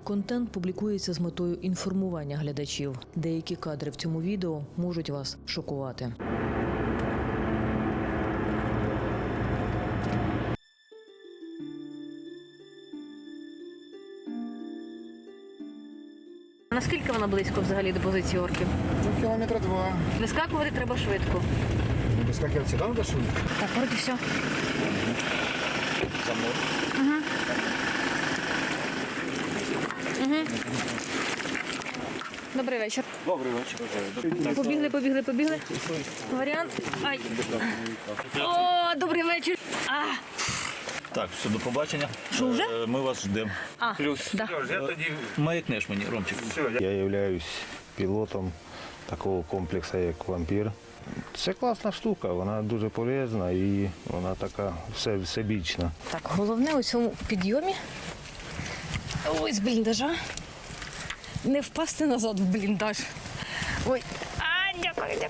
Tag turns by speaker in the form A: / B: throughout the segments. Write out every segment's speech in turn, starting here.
A: Контент публікується з метою інформування глядачів. Деякі кадри в цьому відео можуть вас шокувати. Наскільки вона близько взагалі до позиції орків?
B: Кілометра 2.
A: Вискакувати треба швидко.
B: Вискакивать сюда надо швидко?
A: Так, вроді все.
B: Замок.
A: Добрий вечір.
B: Добрий вечір.
A: Побігли. Варіант. Ай. О, добрий вечір.
C: Так, все, до побачення.
A: Що, вже?
C: Ми вас ждемо.
B: Плюс.
A: Да.
C: Маякнеш мені, Ромчик.
D: Я являюсь пілотом такого комплексу, як «Вампір». Це класна штука, вона дуже полезна і вона така всебічна.
A: Так, головне у цьому підйомі. Ой, з бліндажа. Не впасти назад в бліндаж. Ой. Дякую.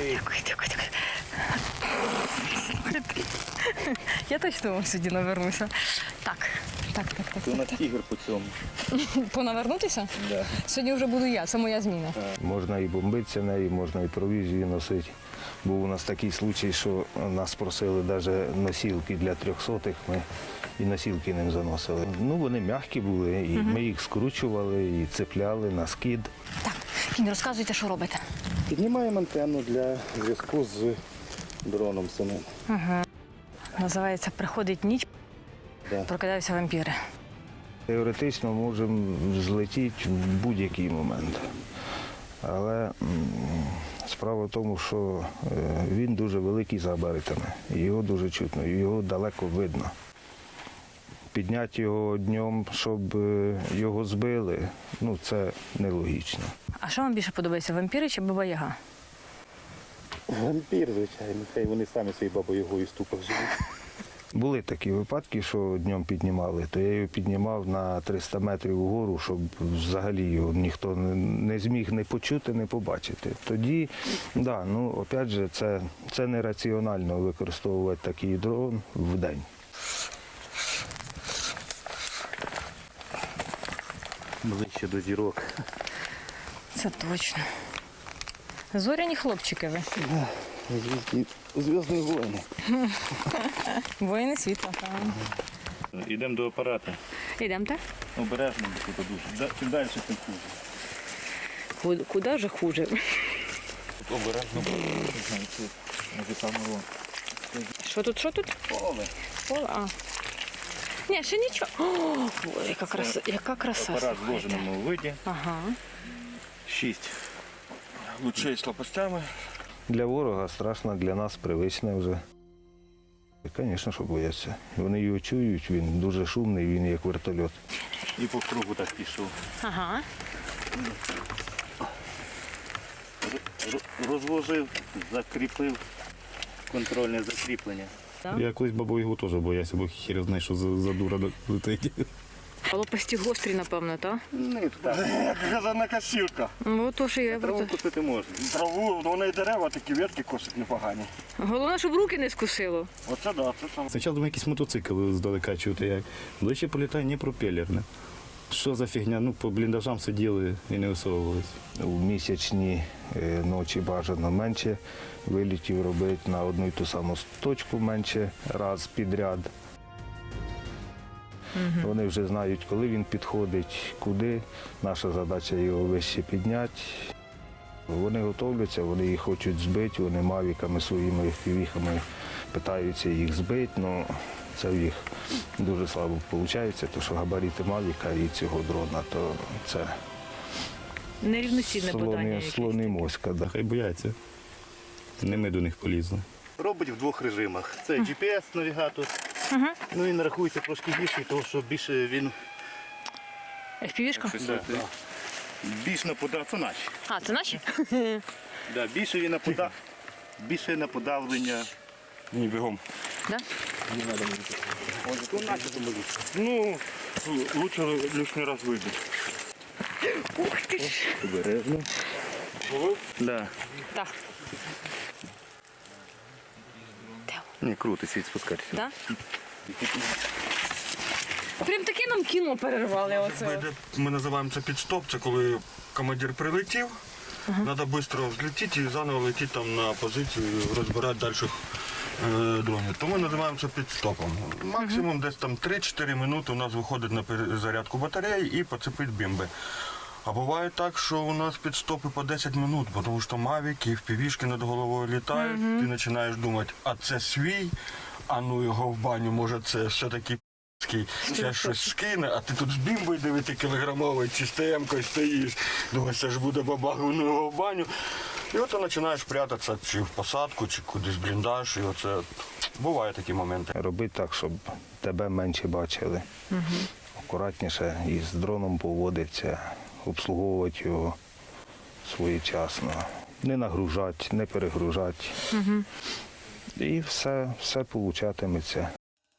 A: Я точно вам сьогодні навернуся. Так.
C: Ти у нас ігор по цьому.
A: Понавернутися?
C: Да.
A: Сьогодні вже буду я, це моя зміна.
D: Можна і бомбитися нею, можна і провізію носити. Був у нас такий случай, що нас просили навіть носілки для 300-х, ми і носілки ним заносили. Ну, вони м'які були, і ми їх скручували, і цепляли на скид.
A: Так, Кінь, розказуйте, що робите.
B: Піднімаємо антенну для зв'язку з дроном самим.
A: Називається «Приходить ніч,
B: Да.
A: прокидаються вампіри».
D: Теоретично можемо злетіти в будь-який момент. Але справа в тому, що він дуже великий за габаритами, його дуже чутно, його далеко видно. Підняти його днем, щоб його збили, ну це нелогічно.
A: А що вам більше подобається, вампіри чи Баба-Яга?
B: Вампір, звичайно. Хай вони самі свої бабою ступах живуть.
D: Були такі випадки, що днем піднімали, то я його піднімав на 300 метрів вгору, щоб взагалі його ніхто не зміг не почути, не побачити. Тоді, да, ну, опять же, це нераціонально використовувати такий дрон в день.
B: Ближче до зірок.
A: Це точно. Зоряні хлопчики ви.
B: Зв'язні воїни.
A: Воїни світла.
C: Йдемо до апарата.
A: Йдемо, так?
C: Обережно, бо тут дуже. Чим далі, тим хуже.
A: Куди вже хуже?
C: Обережно, бо може саме воно.
A: Що тут? Поле, а. Ні, ще нічого. О, Боже, яка краса.
C: Апарат в
A: слухайте.
C: вложеному виді.
A: Ага.
C: 6 лучей з лопастями.
D: Для ворога страшно, для нас привичне вже. Звісно, що бояться. Вони його чують, він дуже шумний, він як вертольот.
C: І по кругу так пішов.
A: Ага.
C: Розложив, закріпив контрольне закріплення.
E: Я колись бабою теж боявся, бо хір знає, що за дура летить.
A: А лопасті гострі, напевно, так?
C: Не так.
B: Газана косілка.
A: Ну, то що я
C: Траву косити можна.
B: Траву, вона і дерева, такі ветки косить непогані.
A: Головне, щоб руки не скусило.
B: Оце да, це саме.
E: Спочатку думаю, якийсь мотоцикл здалека чути, як. Ближче політає не пропелерне. Що за фігня? Ну, по бліндажам сиділи і не висовувалися.
D: У місячні ночі бажано менше вилітів робити на одну й ту саму точку менше раз підряд. Вони вже знають, коли він підходить, куди. Наша задача його вище підняти. Вони готовляться, вони їх хочуть збити, вони мавіками своїми впівіхами питаються їх збити, але це в їх дуже слабо виходить, тому що габарити мавіка і цього дрона, то це
A: Нерівноцінне подання.
D: слони моська. Да.
E: Хай бояться. Не ми до них полізли.
C: Робить в двох режимах. Це GPS-навігатор. Ну він рахується трошки більший, тому що більше він
A: FPV-шка?
C: більш нападав. Це наші.
A: А, це наші?
C: Да, більше він більше на подавлення.
B: Ні, бігом.
A: Да?
B: Ну, лучше лишній раз вибити.
A: Ух ти ж.
C: Обережно. Да.
A: Так.
C: Ні, круто, світ спускатися.
A: Да? Прям таке нам кіно перервали оце.
F: Ми називаємо це підстоп, це коли командир прилетів, треба швидко взлетіти і заново летіти там на позицію, розбирати далі дронів. То ми називаємо це підстопом. Максимум десь там 3-4 минути у нас виходить на перезарядку батареї і поцепить бімби. А буває так, що у нас підстопи по 10 минут, тому що мавіки, впівішки над головою літають, ти починаєш думати, а це свій, а ну його в баню, може це все-таки ще щось скине, а ти тут з бімбою 9-кілограмовою чи СТМ-кою стоїш, думаєш, це ж буде бабах, ну його в баню. І от ти починаєш прятатися чи в посадку, чи кудись в бліндаж, і оце бувають такі моменти.
D: Робити так, щоб тебе менше бачили. Акуратніше і з дроном поводиться, обслуговувати його своєчасно. Не нагружати, не перегружати. І все получатиметься.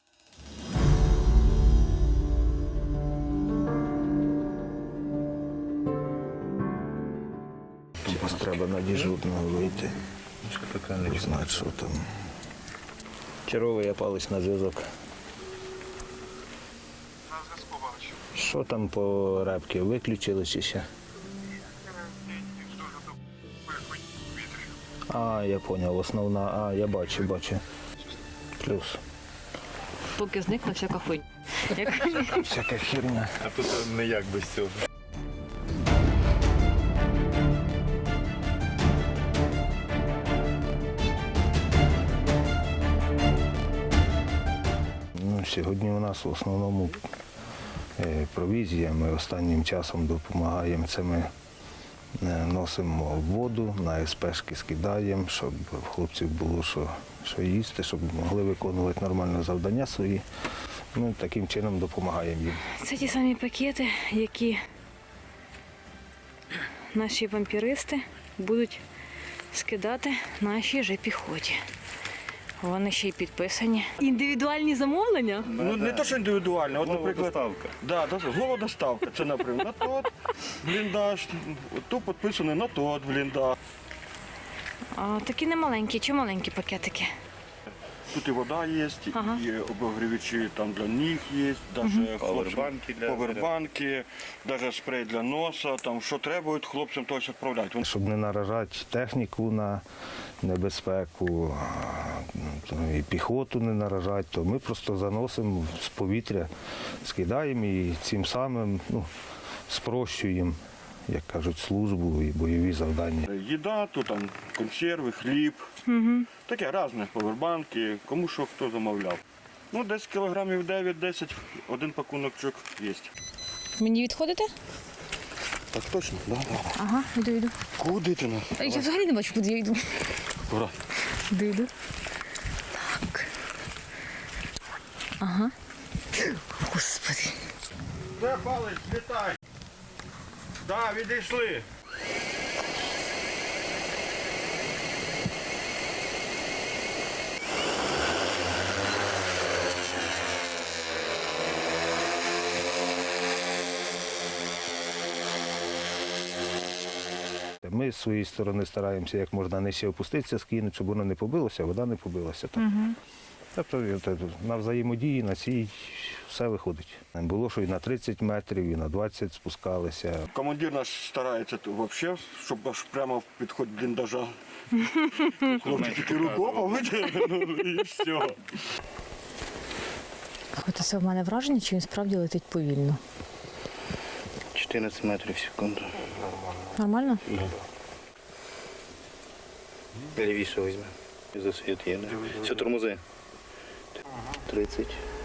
D: Зараз треба на дежурного вийти. Знати, що там. Черговий я палець на зв'язок.
G: На зв'язку бачу.
D: Що там по репки? Виключили чи ще? А, я зрозумів, основна, я бачу. Плюс.
A: Поки зникла всяка хуйня.
D: Всяка херня.
E: А тут ніяк без цього.
D: Сьогодні у нас в основному провізія. Ми останнім часом допомагаємо. Це ми носимо воду, на СПшки скидаємо, щоб в хлопців було що їсти, щоб могли виконувати нормально завдання свої. Ми таким чином допомагаємо їм.
A: Це ті самі пакети, які наші вампіристи будуть скидати нашій же піхоті. Вони ще й підписані. Індивідуальні замовлення?
F: Ну не то, що індивідуально, от, наприклад,
E: доставка.
F: Да, доставка. Це, наприклад, на тот бліндаж, тут підписано на тот бліндаж.
A: А, такі не маленькі, чи маленькі пакетики?
F: Тут і вода є,
A: Ага.
F: і обогрівачі там для ніг є, навіть
E: Павербанки для-
F: повербанки, навіть спрей для носа, там що треба, хлопцям то відправляють.
D: Щоб не наражати техніку на небезпеку, і піхоту не наражати, то ми просто заносимо з повітря, скидаємо і цим самим спрощуємо, як кажуть, службу і бойові завдання.
F: Їда, то там консерви, хліб, таке різне, повербанки, кому що хто замовляв. Ну, десь кілограмів 9-10, один пакуночок є.
A: Мені відходите?
F: Так точно, да.
A: Ага, йду.
F: Куди ти на?
A: Я взагалі не бачу, куди я йду.
F: Ура.
A: Йду. Так. Ага. Господи.
F: Де палець, літай. Так, відійшли.
D: Ми з своєї сторони стараємося як можна нижче опуститися, скинути, щоб воно не побилося, вода не побилася. Тобто на взаємодії, на цій все виходить. Було, що і на 30 метрів, і на 20 спускалися.
F: Командир наш старається взагалі, щоб аж прямо підход бліндажа. Хлопці тільки рукопа витягнули і все.
A: От це в мене враження, чи він справді летить повільно.
C: 14 метрів в секунду.
A: Нормально?
C: Лівіше візьме. Засвіт є, не? Все, тормози. 30.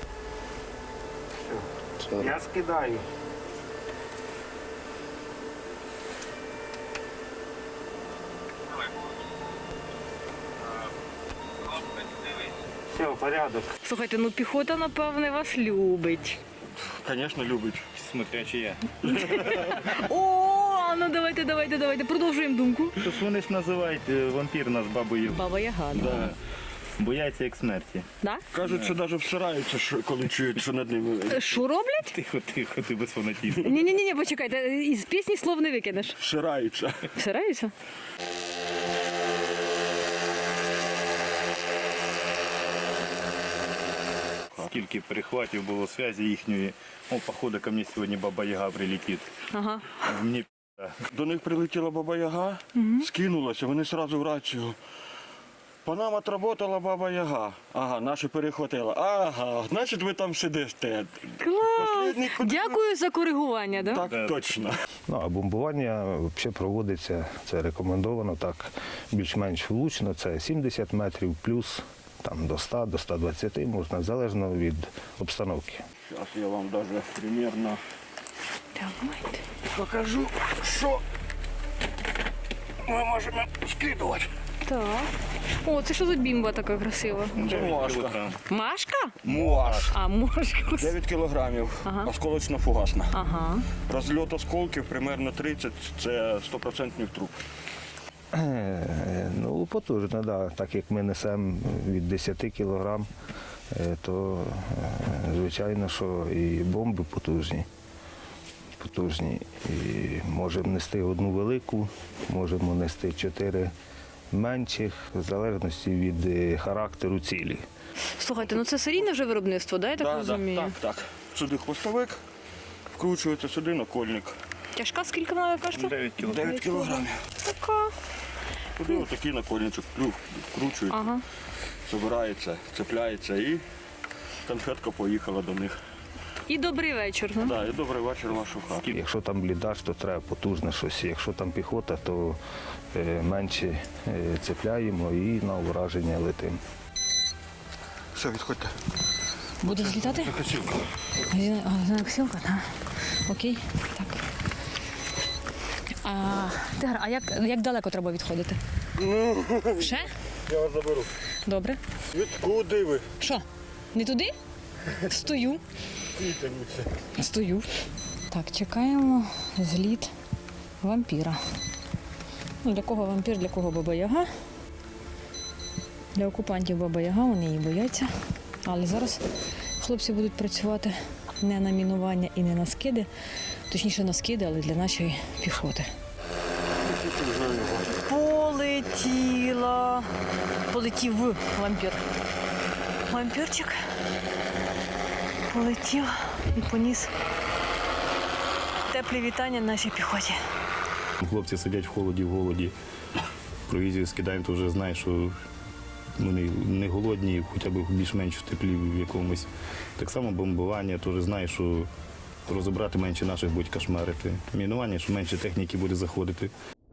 C: 40.
D: Я скидаю. Все, порядок.
A: Слухайте, ну піхота, напевне, вас любить.
F: Звісно, любить.
E: Смотря чи я.
A: О, ну давайте, продовжуємо думку.
E: Тож вони ж називають вампір нас бабою.
A: Баба Яга.
E: Да. Бояться як смерті.
A: Да?
F: Кажуть, що навіть всираються, коли чують, що над ними.
A: Що роблять?
E: Тихо, ти без фанатізму.
A: Ні, почекайте, із пісні слов не викинеш.
F: Всираються.
A: Всираються?
E: стільки перехватів було зв'язі їхньої. О, походу, ко мені сьогодні Баба-Яга прилетить.
A: Ага.
E: Мені
F: До них прилетіла Баба Яга, скинулася, вони одразу в рацію. По нам отработала Баба Яга. Ага, наші перехватила. Ага, значить ви там сидите.
A: Клас!
F: Послідній куди-
A: Дякую за коригування, да?
F: Так, точно.
D: Ну, а бомбування взагалі проводиться, це рекомендовано так більш-менш влучно, це 70 метрів плюс там, до 100, до 120 можна, залежно від обстановки.
F: Зараз я вам навіть примірно
A: Давайте.
F: покажу, що ми можемо скидувати.
A: Так. О, це що за бімба така красива?
F: Це муашка.
A: Машка?
F: Муаш.
A: А, мошка.
F: 9 кілограмів, осколочно-фугасна.
A: Ага.
F: Розльот осколків примерно 30, це 100% труп.
D: Ну, потужно, да. Так як ми несемо від 10 кілограм, то звичайно, що і бомби потужні. Потужні. І можемо нести одну велику, можемо нести 4 менших, в залежності від характеру цілі.
A: Слухайте, ну це серійне вже виробництво, да, я так розумію?
F: Так. Сюди хвостовик, вкручується сюди накольник.
A: Тяжка скільки вона кажете?
F: 9 кілограмів.
A: Така.
F: Туди отакий накольничок вкручується,
A: Ага.
F: збирається, цепляється і конфетка поїхала до них.
A: І добрий вечір. Ну?
F: Да, і добрий вечір в вашу хату.
D: Якщо там бліндаж, то треба потужне щось. Якщо там піхота, то менше цепляємо і на ураження летимо.
F: Все, відходьте.
A: Буде злітати?
F: Косілка.
A: Косілка? Так. Окей. Так. Тигр, а як далеко треба відходити? Ще?
F: Я вас заберу.
A: Добре.
F: Куди ви?
A: Що? Не туди? Стою. Стою. Так, чекаємо зліт вампіра. Ну, для кого вампір, для кого Баба-Яга. Для окупантів Баба-Яга, вони її бояться. Але зараз хлопці будуть працювати не на мінування і не на скиди. Точніше на скиди, але для нашої піхоти. Полетіла. Полетів вампір. Вампірчик полетів і поніс теплі вітання нашій піхоті.
E: Хлопці сидять в голоді. Провізію скидаємо, то вже знаєш, що вони не голодні, хоча б більш-менш в теплі в якомусь. Так само бомбування, теж знаєш, що розібрати менше наших будуть кошмарити. Мінування, що менше техніки буде заходити.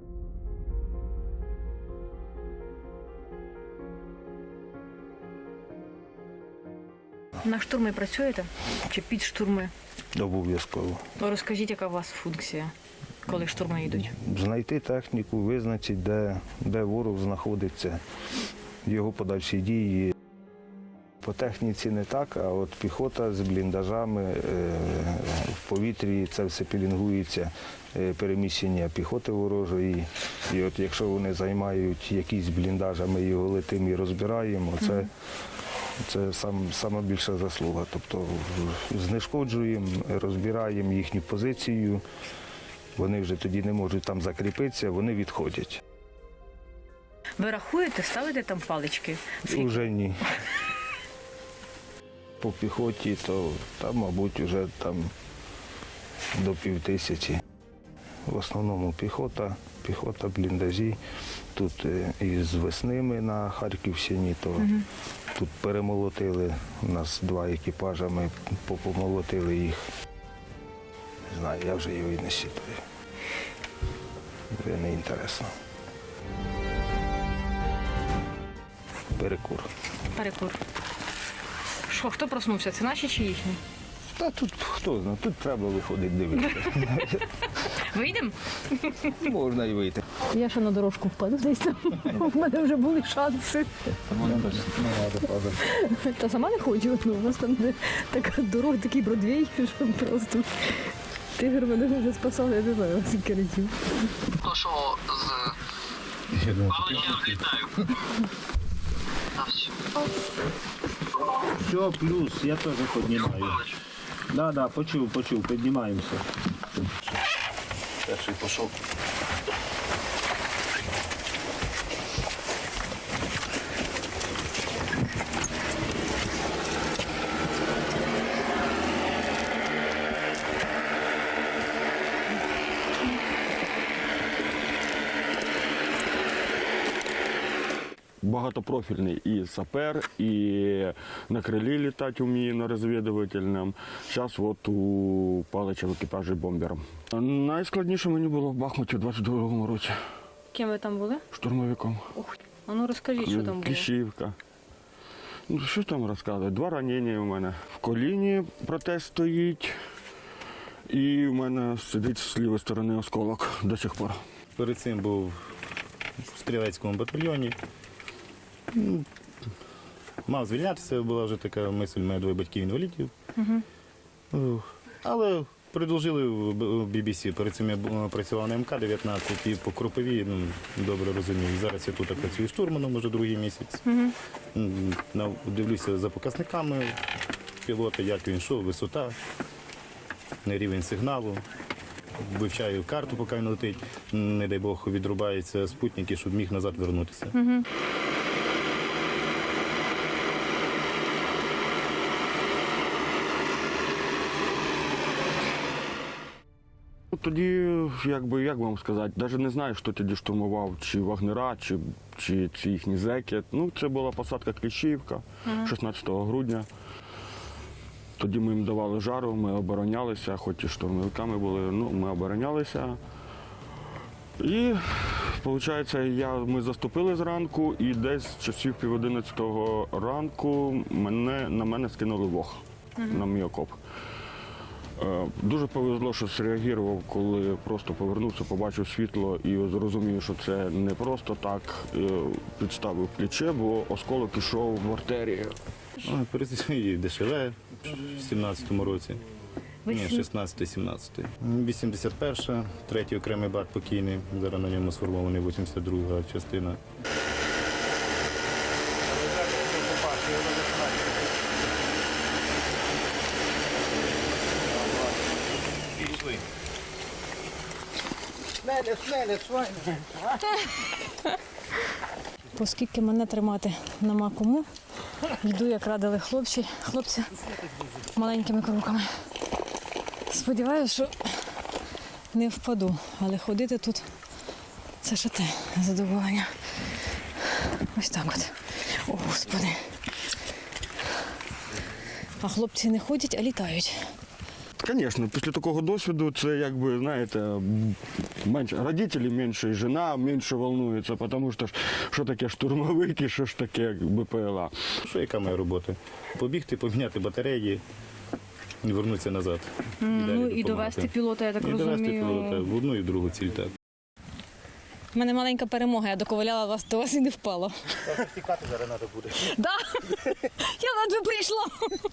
A: На штурми працюєте? Чи під штурми?
D: Обов'язково.
A: Розкажіть, яка у вас функція, коли штурми йдуть?
D: Знайти техніку, визначити, де ворог знаходиться, його подальші дії. По техніці не так, а от піхота з бліндажами в повітрі, це все пілінгується, переміщення піхоти ворожої. І от якщо вони займають якісь бліндаж, а ми його летимо і розбираємо, це сама більша заслуга. Тобто знешкоджуємо, розбираємо їхню позицію, вони вже тоді не можуть там закріпитися, вони відходять.
A: Ви рахуєте, ставите там палички?
D: Уже ні. По піхоті, то там, мабуть, вже там до 5000. В основному піхота, бліндажі. Тут із весни ми на Харківщині, то тут перемолотили, у нас 2 екіпажа, ми помолотили їх. Не знаю, я вже його і не щитую. Вже не інтересно. Перекур.
A: Перекур. Що, хто проснувся? Це наші чи їхні?
D: Та тут хто знає, тут треба виходити дивитися.
A: Вийдемо?
D: Можна і вийти.
A: Я ще на дорожку впаду десь там. У мене вже були шанси. Та сама не хочу. Ну, у нас там така дорога, такий Бродвей, що просто тигр мене вже спасав, я не знаю, скільки разів.
G: То, що з паличем літаю. А все.
E: Все, плюс, я теж піднімаю. Да, почув, піднімаємося.
F: Перший пішов.
H: багатопрофільний і сапер, і на крилі літати вміє на розвідувальному. Зараз от у Палича в екіпажі бомбером. Найскладніше мені було в Бахмуті в 22-му році.
A: Ким ви там були?
H: Штурмовиком.
A: А ну розкажіть, що там було.
H: Кліщівка. Ну, що там розказувати? 2 ранення у мене. В коліні протез стоїть, і в мене сидить з лівої сторони осколок до сих пор.
E: Перед цим був в стрілецькому батальйоні. Мав звільнятися, була вже така мисль, у мене 2 батьків інвалідів. Але продовжили в BBC. Перед цим я працював на МК-19 і по Кропиві, добре розумію. Зараз я тут працюю штурманом вже 2-й місяць. Дивлюся за показниками пілота, як він йшов, висота, рівень сигналу. Вивчаю карту, поки він летить. Не дай Бог, відрубається спутник, щоб міг назад вернутися.
H: Тоді, як вам сказати, навіть не знаю, хто тоді штурмував, чи вагнера, чи їхні зеки. Ну, це була посадка Кліщівка 16 грудня. Тоді ми їм давали жару, ми оборонялися, хоч і штурмовиками були, ми оборонялися. І, виходить, ми заступили зранку, і десь з часів 10:30 ранку на мене скинули вог на мій окоп. Дуже повезло, що зреагував, коли просто повернувся, побачив світло і зрозумів, що це не просто так підставив плече, бо осколок ішов в артерію.
E: Перед цим і ДШВ в 17-му році. Ні, 16-17. 81-ша, 3-й окремий бат покійний, зараз на ньому сформований 82-га частина.
A: Оскільки мене тримати нема кому, йду, як радили хлопці маленькими кроками. Сподіваюся, що не впаду, але ходити тут це ще те задоволення. Ось так от. О, Господи. А хлопці не ходять, а літають.
H: Звісно, після такого досвіду це, якби, знаєте, менше родителі менше, і жена менше волнується, тому що таке штурмовики, що ж таке БПЛА.
E: Що яка моя робота? Побігти, поміняти батареї і вернутися назад.
A: І довести пілота, я так розумію.
E: І довести пілота в одну і в другу ціль, так.
A: У мене маленька перемога, я доковиляла вас, до вас і не впала.
C: Тікати зараз треба буде.
A: Так, я ледве прийшла.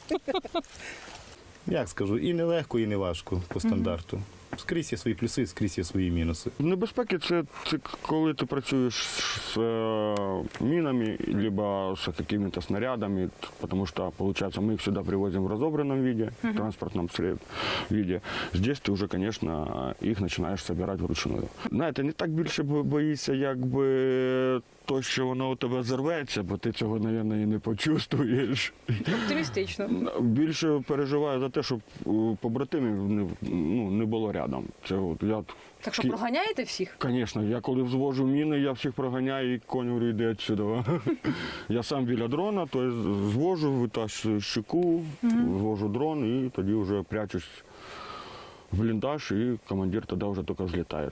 H: Як скажу, і не легко, і не важко по стандарту. Скрізь є свої плюси, скрізь є свої мінуси. Небезпеки це коли ти працюєш з мінами, або з якими-то снарядами, тому що, виходить, ми їх сюди привозимо в розобраному виді, в транспортному виді. Здесь ти вже, звісно, їх починаєш збирати вручную. Знаєте, не так більше боїшся, якби то, що воно у тебе зірветься, бо ти цього, мабуть, і не почувствуєш.
A: Оптимістично.
H: Більше переживаю за те, щоб побратимів не було рядом. Це от я.
A: Так що проганяєте всіх?
H: Звісно, я коли взвожу міни, я всіх проганяю і конь говорю, йди відсюди. Я сам біля дрона, то звожу, витащую щеку, звожу дрон і тоді вже прячусь в бліндаж, і командир тоді вже тільки злітає.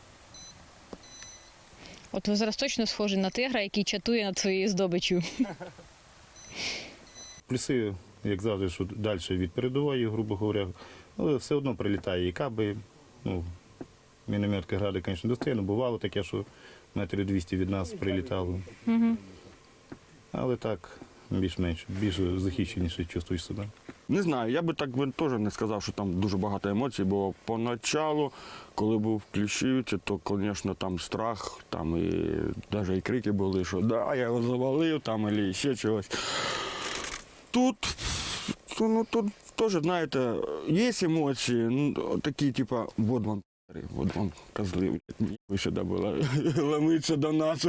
A: От ви зараз точно схожі на тигра, який чатує над своєю здобиччю.
H: Плюси, як завжди, що далі від передової, грубо говоря, але все одно прилітає і каби. Мінометки гради, звісно, достойно. Бувало таке, що метрів 200 від нас прилітало. Але так, більш-менш, більш захищеніше чувствуєш себе. Не знаю, я би так теж не сказав, що там дуже багато емоцій, бо поначалу, коли був в Кліщівці, то, звісно, там страх, там і навіть і крики були, що да, я його завалив, там, або ще чогось. Тут теж, знаєте, є емоції, такі, типу, вот вам козли, ви сюди були, ламиться до нас.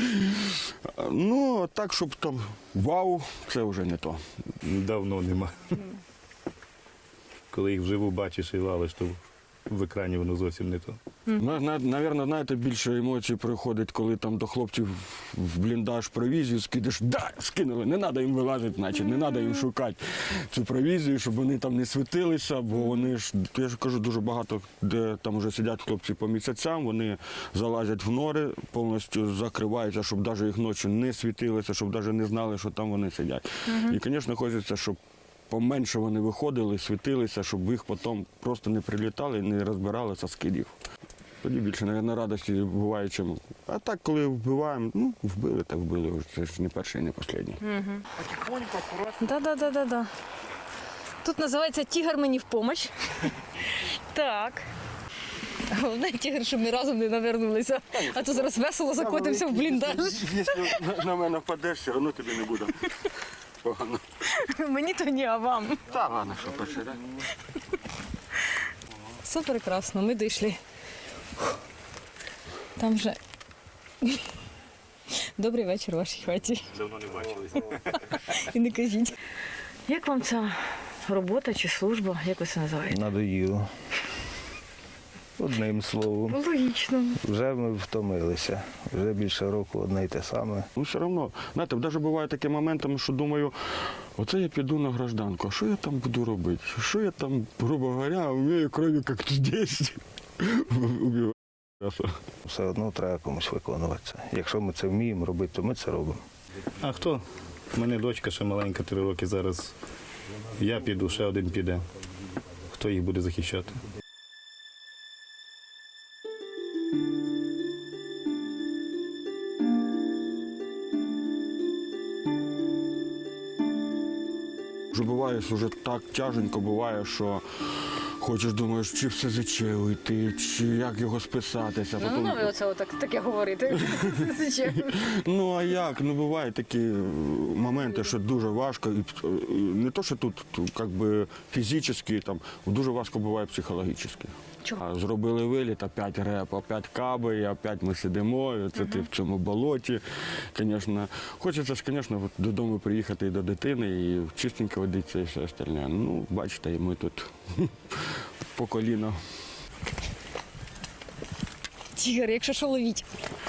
H: Ну, так, щоб там вау, це вже не то. Давно нема. Коли їх вживу бачиш і валиш, то
E: в екрані воно зовсім не то.
I: Навірно, знаєте, більше емоцій приходить, коли там до хлопців в бліндаж провізію скидеш. Да, скинули, не треба їм вилазити, значить, не треба їм шукати цю провізію, щоб вони там не світилися, бо вони ж, я ж кажу, дуже багато, де там вже сидять хлопці по місяцям, вони залазять в нори, повністю закриваються, щоб навіть їх ночі не світилися, щоб навіть не знали, що там вони сидять. І, звісно, хочеться, щоб поменше вони виходили, світилися, щоб їх потім просто не прилітали і не розбиралися скидів. Тоді більше, мабуть, радості буває, чим. А так, коли вбиваємо, ну, вбили, так вбили. Це ж не перший і не останній.
A: Да. Тут називається «Тігр мені в помощь». Так. Головне, тігр, щоб ми разом не навернулися. А то зараз весело закотимося в бліндаж.
I: Якщо на мене впадеш, все одно тобі не буде погано.
A: Мені то ні, а вам.
I: Так, ладно, що перший раз.
A: Все прекрасно, ми дійшли. Там вже добрий вечір у вашій хаті.
E: Давно не бачилися.
A: І не кажіть. Як вам ця робота чи служба, як ви це називаєте?
D: Надоїло. Одним словом.
A: Логічно.
D: Вже ми втомилися. Вже більше року одне й те саме.
I: Ну, все одно, знаєте, навіть буває такі моменти, що думаю, оце я піду на гражданку, а що я там буду робити? Що я там, грубо говоря, вмію крові, як тут здесь. Убиваю.
D: Все одно треба комусь виконувати це. Якщо ми це вміємо робити, то ми це робимо.
E: А хто? У мене дочка ще маленька, 3 роки зараз. Я піду, ще один піде. Хто їх буде захищати?
I: Вже буває, що вже так тяженько буває, що хочеш, думаєш, чи все ЗЧ йти, чи як його списатися.
A: Ну, ви оце таке говорите.
I: Ну, а як? Ну, бувають такі моменти, що дуже важко. І не то, що тут як би, фізично, там, дуже важко буває психологічно.
A: Чого?
I: Зробили виліт, опять реп, опять каби, і опять ми сидимо, і це ти в цьому болоті. Звісно, хочеться ж, звісно, додому приїхати і до дитини, і чистенько водитися і все остальне. Ну, бачите, і ми тут по коліно.
A: Тігр, якщо що, ловіть.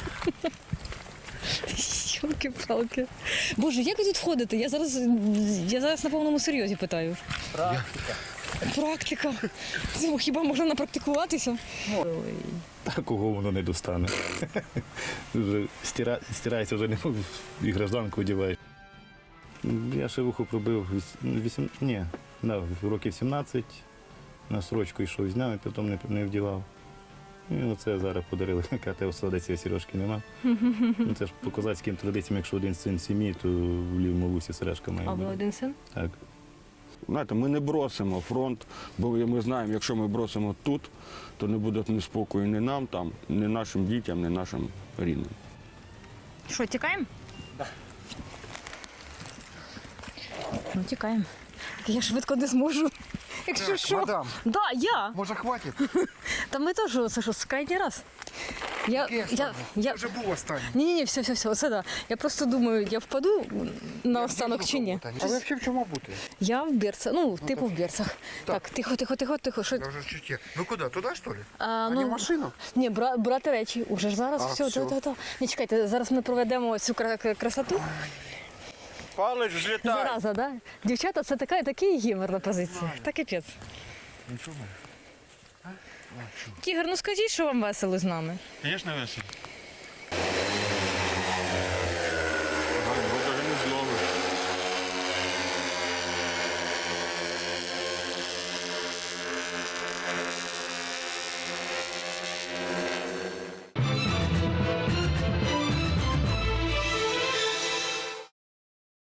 A: Йолки-палки. Боже, як ви тут ходите? Я зараз на повному серйозі питаю. Практика. Це хіба можна напрактикуватися?
E: А кого воно не достане? Вже стирається, вже не і гражданку одягаєш. Я ще вухо пробив років 17, на строчку йшов з днями, потім не вдівав. І оце зараз подарили, КТ Солодець, сережки нема. Ну, це ж по козацьким традиціям, якщо один син сім'ї, то в лівому вусі сережка має
A: А ви
E: бути.
A: один син?
E: Так.
I: Знаєте, ми не бросимо фронт, бо ми знаємо, якщо ми бросимо тут, то не буде ні спокою ні нам там, ні нашим дітям, ні нашим рідним.
A: Що, тікаємо? Так. Ну, тікаємо. Я швидко не зможу. Якщо
B: Так,
A: що.
B: мадам.
A: Да, я.
B: Може, хватить?
A: Та ми теж, це що, крайній раз.
B: Я вже був останній.
A: Ні, все, оце да. Я просто думаю, я впаду на останок чи ні.
B: А ви взагалі в чому бути?
A: Я в берцах, ну, типу в берцах. Так, тихо. Що?
B: Я вже чуть. Ну куди? Туди, що ли?
A: А,
B: не в машину?
A: Ні, брати речі. Уже ж зараз
B: А,
A: все.
B: все.
A: Не чекайте, зараз ми проведемо цю красоту.
I: Палець злітає.
A: Зараза, да? Дівчата, це такий гімер на позиції. Та капець.
B: Нічого.
A: Тігр, ну скажіть, що вам весело з нами.
F: Звісно, весело.